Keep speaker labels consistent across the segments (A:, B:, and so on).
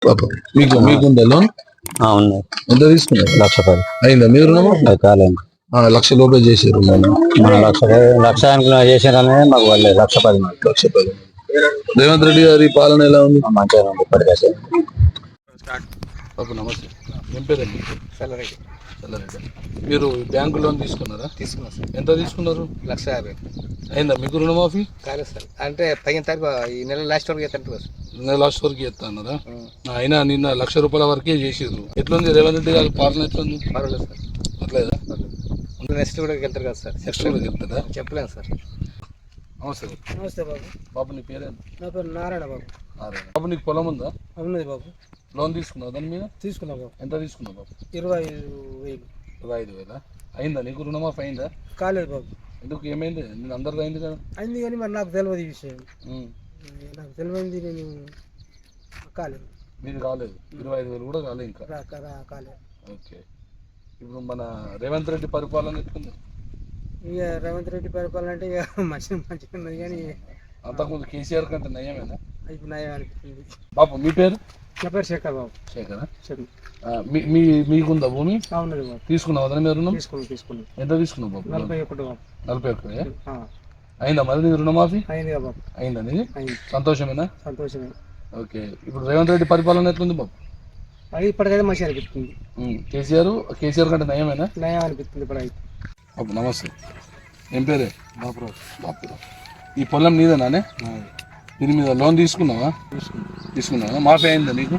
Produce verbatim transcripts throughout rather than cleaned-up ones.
A: పాపం మీకు మీకుందా లోన్?
B: ఉన్నాయి.
A: ఎంత తీసుకున్నారు?
B: లక్ష పది
A: అయిందా మీ రుణము?
B: కాలేదు.
A: ఆ, లక్ష లోపే చేసారు
B: మన లక్ష లక్ష చేసారనే మాకు వాళ్ళే లక్ష పది మంది.
A: లక్ష పది. రేవంత్ రెడ్డి గారి పాలన ఎలా ఉంది?
B: మంచిగా ఉంది ఇప్పటికైతే.
A: పాపం నమస్తే. ఏం పేరండి?
C: చల్లరెడ్డి.
A: చల్లారెడ్డి. మీరు బ్యాంకు లోన్ తీసుకున్నారా?
C: తీసుకున్నాం సార్.
A: ఎంత తీసుకున్నారు?
C: లక్ష యాభై.
A: అయిందా మీకు రుణమాఫీ?
C: కాలేదు సార్, అంటే తగిన తారీఖు ఈ నెల లాస్ట్ వరకు ఎత్తంటారు సార్.
A: నెల లాస్ట్ వరకు చేస్తాన్నారా? అయినా నిన్న లక్ష రూపాయల వరకే చేసిర్రు. ఎట్లుంది రేవంత్ రెడ్డి గారి పాలన? ఎట్లుంది?
C: పర్వాలేదు సార్.
A: అట్లేదా?
C: నెక్స్ట్ కూడా వెళ్తారు కదా సార్.
A: నెక్స్ట్ కూడా చెప్తారా?
C: చెప్పలేము సార్.
A: నమస్తే.
D: నమస్తే బాబు.
A: బాబు నీ పేరేంటి?
D: నా పేరు నారాయణ బాబు.
A: నారాయణ. బాబు నీకు పొలం ఉందా?
D: ఉన్నది బాబు.
A: లోన్ తీసుకున్నావు దాని మీద?
D: తీసుకున్నా బాబు.
A: ఎంత తీసుకున్నావు బాబు?
D: ఇరవై ఐదు వేలు.
A: ఇరవై ఐదు వేల అయిందా నీకు రుణమాఫీ? అయిందా?
D: కాలేదు బాబు.
A: ఎందుకు ఏమైంది? నేను అందరిది అయింది కదా.
D: అయింది కానీ మరి నాకు తెలియదు ఈ విషయం.
A: ఉమ్.
D: నాకు తెలియదు, నేను కాలేదు.
A: మీది కాలేదు? ఇరవై ఐదు వేలు కూడా కాలేదు ఇంకా?
D: రా- రా- కాలేదు.
A: ఓకే. ఇప్పుడు మన రేవంత్ రెడ్డి పరిపాలన ఎట్లుంది?
D: ఇక రేవంత్ రెడ్డి పరిపాలన అంటే ఇక మంచిగా మంచిగా ఉన్నది కానీ
A: అంతకుముందు కేసీఆర్ కంటే నయమేనా?
D: ఇప్పుడు నయం అనిపిస్తుంది.
A: బాబు మీ పేరు?
D: నా పేరు శేఖర్ బాబు.
A: శేఖరా?
D: శేఖర్.
A: ఆ, మీ మీ మీకుందా భూమి?
D: ఉన్నది బాబు.
A: తీసుకున్నావు అదే మీరు రుణం?
D: తీసుకున్నాం తీసుకున్నాం.
A: ఎంత తీసుకున్నావు బాబు?
D: నలభై ఒకటి బాబు.
A: నలభై ఒక్క.
D: ఆ,
A: అయిందా మరి నీది రుణమాఫీ?
D: అయింది కదా బాబు.
A: అయిందా నీది?
D: అయింది.
A: సంతోషమేనా?
D: సంతోషమే.
A: ఓకే. ఇప్పుడు రేవంత్ రెడ్డి పరిపాలన ఎట్లుంది బాబు?
D: అది ఇప్పటికైతే మంచిగా అనిపిస్తుంది.
A: ఉమ్. కేసీఆర్ కేసీఆర్ కంటే నయమేనా?
D: నయం అనిపిస్తుంది ఇప్పుడైతే.
A: బాబు నమస్తే. ఏం పేరే? బాపురావు. బాపురావు. ఈ పొలం నీదేనానే? దీని మీద లోన్ తీసుకున్నావా? తీసుకున్నావా? మాఫీ అయిందా నీకు?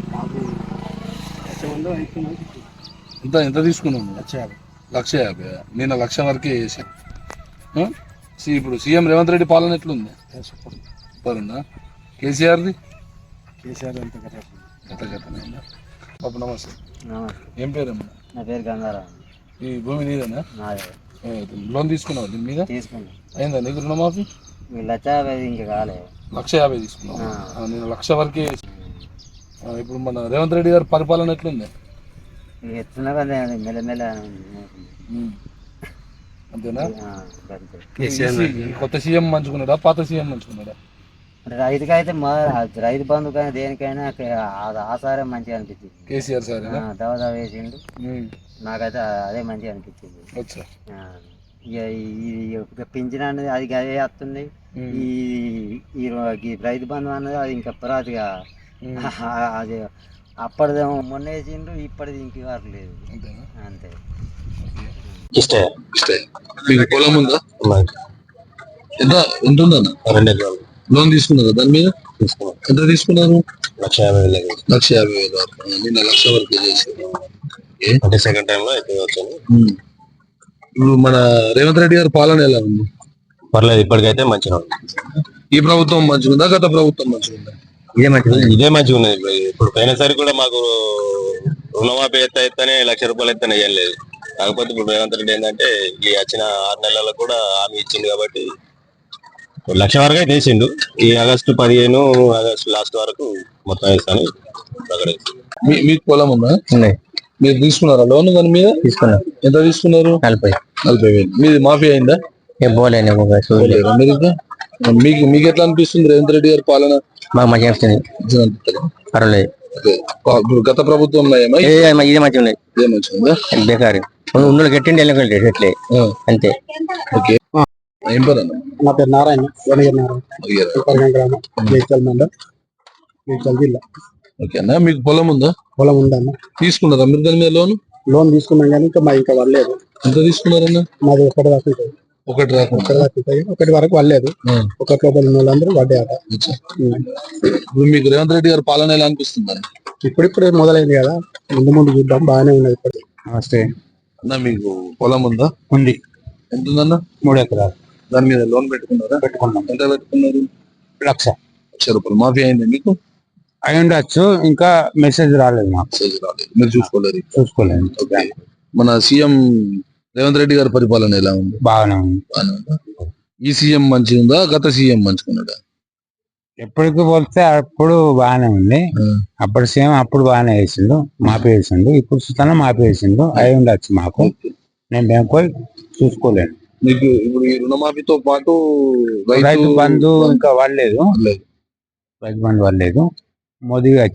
A: ఎంత ఎంత తీసుకున్నావు?
D: లక్ష యాభై.
A: లక్ష యాభై. నేను లక్ష వరకే చేశాను. ఆ? సి- ఇప్పుడు సీఎం రేవంత్ రెడ్డి పాలన ఎట్లుంది? సూపరుందా? కేసీఆర్ది?
D: కేసీఆర్ అంత కదా.
A: గత గతనైందా? బాబు నమస్తే. ఏం పేరమ్మా?
B: నా పేరు గంగారావు.
A: ఈ భూమి నీదేనా?
B: నాదే.
A: ఏ, లోన్ తీసుకున్నావు దీని మీద?
B: తీసుకున్నాం.
A: అయిందా నీకు రుణమాఫీ?
B: మీ లక్ష యాభై ఇంకా కాలేదు.
A: లక్ష యాభై తీసుకున్నావు. ఆ, నేను లక్ష వరకే చేశాను. ఆ, ఇప్పుడు మన రేవంత్ రెడ్డి గారి పరిపాలన ఎట్లుంది?
B: ఇక ఎట్లున్నా కదా మెల్లమెల్ల
A: ఉమ్. అంతేనా?
B: అంతే.
A: ఈ కొత్త సీఎం మంచుకున్నాడా పాత సీఎం మంచుకున్నాడా?
B: రైతుకైతే మా రైతు బంధుకైనా దేనికైనా అది ఆసారం మంచిగా అనిపించింది.
A: కేసీఆర్ సార్
B: దవదా వేసిండు. నాకైతే అదే మంచిగా అనిపించింది.
A: వచ్చా
B: ఆ, ఇక ఈ పింఛన్ అనేది అది అదే వస్తుంది. ఈ ఈ రో- ఈ రైతు బంధు అన్నది అది ఇంకా పురాతిగా అది అప్పటిదేమో మొన్న వేసిండు, ఇప్పటిది ఇంక వరకు లేదు.
A: అంతేనా?
B: అంతే.
A: ఇష్టే ఇష్టే. మీకు పొలం ఉందా? ఎంత ఎంత ఉందన్న?
B: రెండు ఎకరాలు
A: లోన్ తీసుకున్నారు దాని మీద?
B: తీసుకున్నాం.
A: ఎంత తీసుకున్నారు?
B: లక్ష యాభై వేలు.
A: లక్ష యాభై వేలు వరకు. నిన్న లక్ష వరకు చేశారు. ఓకే.
B: అంటే సెకండ్ టైం లో అయితే వచ్చాను.
A: ఉమ్. ఇప్పుడు మన రేవంత్ రెడ్డి గారి పాలన ఎలా ఉంది?
B: పర్లేదు, ఇప్పటికైతే మంచిగా ఉంది.
A: ఈ ప్రభుత్వం మంచిగా ఉందా గత ప్రభుత్వం మంచిగా ఉందా?
B: ఇదే మంచిగా ఇదే మంచిగా ఉన్నది. ఇప్పుడు పోయినసారి కూడా మాకు రుణమాఫీ ఎత్త ఎత్తనే లక్ష రూపాయలు ఎత్తనే ఏం లేదు. కాకపోతే ఇప్పుడు రేవంత్ రెడ్డి ఏంటంటే ఈ వచ్చిన ఆరు నెలలకు కూడా హామీ ఇచ్చింది కాబట్టి లక్ష వరకు అయితే వేసిండు. ఈ ఆగస్టు పదిహేను ఆగస్టు లాస్ట్ వరకు మొత్తం వేస్తాను.
A: మీ- మీకు పొలం ఉందా?
B: ఉన్నాయి.
A: మీరు తీసుకున్నారా లోన్ దాని మీద?
B: తీసుకున్నా.
A: ఎంత తీసుకున్నారు?
B: నలభై.
A: నలభై వేలు. మీది మాఫీ అయిందా?
B: ఏం పోలేను.
A: పోలేదా మీరు ఇంకా? మీకు మీకు ఎట్లా అనిపిస్తుంది రేవంత్ రెడ్డి గారి పాలన?
B: మాకు మంచిగా అనిపిస్తుంది.
A: మంచిగా అనిపిస్తుందా?
B: పర్వాలేదు.
A: ఓకే. ఇప్పుడు గత ప్రభుత్వం నయమా?
B: ఇదే మంచిగా ఉన్నది.
A: ఇదే మంచిగా ఉందా?
B: బేకారు ఉన్నోళ్ళు గట్టిండి వెళ్ళకండి ఎట్లే
A: ఆ.
B: అంతే.
A: ఓకే. ఏం పేరు అన్న?
D: నా పేరు నారాయణ. వెనగర్ నారాయణ.
A: అయ్యారా?
D: ఉప్పరగం గ్రామం, మేడ్చల్ మండల్, మేడ్చల్ జిల్లా.
A: ఓకే అన్న. మీకు పొలం ఉందా?
D: పొలం ఉందన్న.
A: తీసుకున్నారా మీరు దాని మీద లోన్?
D: లోన్ తీసుకున్నాం కానీ ఇంకా మా ఇంకా వల్లేదు.
A: ఎంత తీసుకున్నారన్న?
D: మాది ఒకటి వరకు ఉంటుంది.
A: ఒకటి రాకుండా.
D: ఒకటి వరకు ఉంటుంది. ఒకటి వరకు వల్లేదు.
A: ఆ.
D: ఒకటి లోపల ఉన్న వాళ్ళందరూ వడ్డాట.
A: అచ్చా. ఇప్పుడు మీకు రేవంత్ రెడ్డి గారి పాలన ఎలా అనిపిస్తుంది?
D: ఇప్పుడిప్పుడే మొదలైంది కదా, ముందు ముందు చూద్దాం. బాగానే ఉన్నది ఇప్పుడు. నమస్తే
A: అన్న. మీకు పొలం ఉందా?
D: ఉంది.
A: ఎంత ఉందన్న?
D: మూడు ఎకరాలు
A: దాని మీద లోన్ పెట్టుకున్నారా?
D: పెట్టుకున్నాం.
A: ఎంత పెట్టుకున్నారు?
D: లక్ష
A: లక్ష రూపాయలు. మాఫీ అయింది మీకు?
D: అయి ఉండొచ్చు, ఇంకా మెసేజ్ రాలేదు మాకు.
A: మెసేజ్ రాలేదు. మీరు చూసుకోలేదు.
D: చూసుకోలేదు.
A: ఓకే. మన సీఎం రేవంత్ రెడ్డి గారి పరిపాలన ఎలా ఉంది?
D: బాగానే ఉంది.
A: బాగానే ఉందా? ఈ సీఎం మంచిగా ఉందా గత సీఎం మంచుకున్నాడా?
D: ఎప్పటికి పోలిస్తే అప్పుడు బాగానే ఉంది. అప్పుడు సేమ్ అప్పుడు బాగానే వేసిండు, మాపి వేసిండు. ఇప్పుడు చూస్తాను మాపి వేసిండు. అయి ఉండొచ్చు మాకు. నేను బ్యాంకు పోయి చూసుకోలేను.
A: మీకు ఇప్పుడు ఈ రుణమాఫీతో పాటు
D: రైతు బంధు ఇంకా వాళ్ళలేదు.
A: లేదు.
D: రైతు బంధు వాళ్ళలేదు. మోదీ